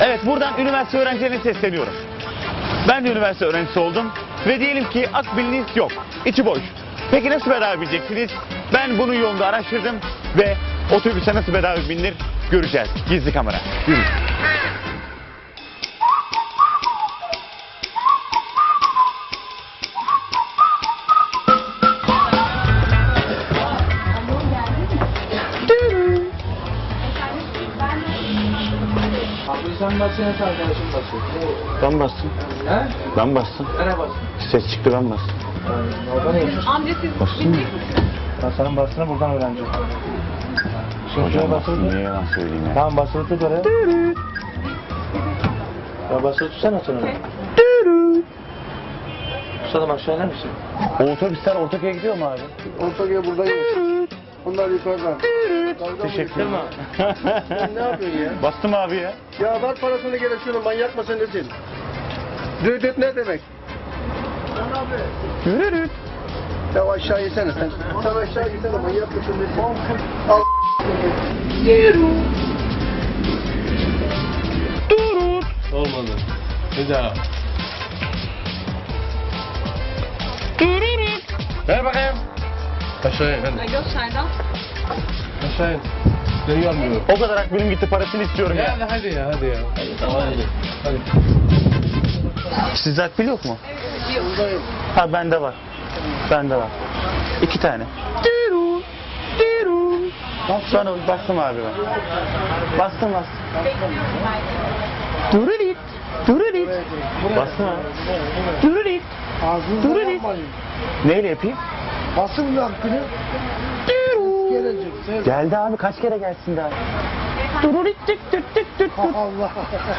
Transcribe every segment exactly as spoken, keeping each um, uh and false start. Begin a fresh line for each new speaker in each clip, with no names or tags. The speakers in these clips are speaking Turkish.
Evet, buradan üniversite öğrencilerine sesleniyorum. Ben de üniversite öğrencisi oldum ve diyelim ki akbiliniz yok, içi boş. Peki nasıl bedava bineceksiniz? Ben bunun yolunu araştırdım ve otobüse nasıl bedava binilir göreceğiz. Gizli kamera. Yürü.
Abi sen basıyorsun, arkadaşım basıyor.
Ben bastım.
He?
Ben bastım.
Nereye basıyorsun?
Ses çıktı, ben bastım.
Orada neymiş?
Amca siz
Bastın mı?
Ben senin bastığını buradan öğreneceğim.
Hocam bastım, niye yalan söyleyeyim ya?
Tamam basılı tut oraya. Ya basılı tutsana sen onu. Tutalım aşağı iner misin?
O otobüsler Ortaköy'e gidiyor mu abi?
Ortakaya buradayım. Bunlar yukarıdan.
Teşekkür ederim.
Sen ne yapıyorsun ya?
Bastım abi ya.
Ya ver parasını gene şunu, manyak mısın nesin? Düdüt ne demek?
Yürü.
Ya aşağı yesene sen. Sen aşağı yesene, manyak mısın nesin? Al.
Olmadı. Bir daha. Ver bakayım. Aşağı in hadi.
Gösterden.
Aşağı in. Seni görmüyorum.
O kadar akbilim gitti, parasını istiyorum ya.
Ya hadi ya hadi ya. Hadi tamam hadi. Hadi.
Sizde akbil yok mu?
Buradayım.
Ha, bende var. Bende var. İki tane. Sonra bastım abi ben. Bastım bastım. Dururit. Dururit. Bastım abi. Dururit.
Ağzını
Dur,
yapmayın.
Neyle yapayım?
Basın lan günü. Gelecek. Sen.
Geldi abi, kaç kere gelsin daha? Dururit tık tık tık tık tık.
Allah.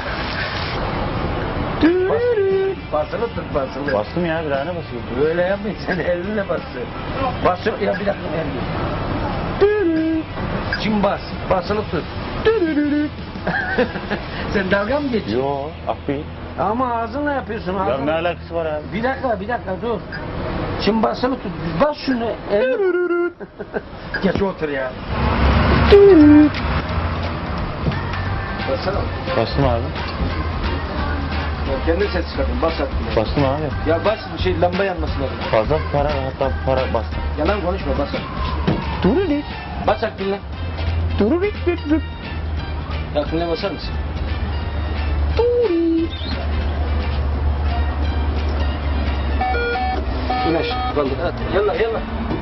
Dururit.
Basılı tut basılı.
Bastım ya, bir tane basıyorum.
Böyle yapmayın sen elinle basın. Basıyor ya bir dakika elini.
Dururit.
Şimdi bas. Basılı tut.
Dururit.
Sen dalga mı geçiyorsun?
Yo, akbil.
Ama ağzınla yapıyorsun
Ya
ağzınla.
ne alakası var abi?
Bir dakika bir dakika dur. Şimdi basılı tut. Bas şunu. elini- Geç otur ya. Basana.
Bastım abi.
Ya kendi ses çıkardın. Bas artık.
Bastım abi.
Ya bas şey lamba yanması lazım.
Fazla para, hatta para bastım.
Yalan konuşma bas.
Dururit.
Bas aklına.
Dururit. Dururit.
Aklına basar mısın?
Dururit.
İn aşağı. Kaldır. Hadi. Yallah yallah.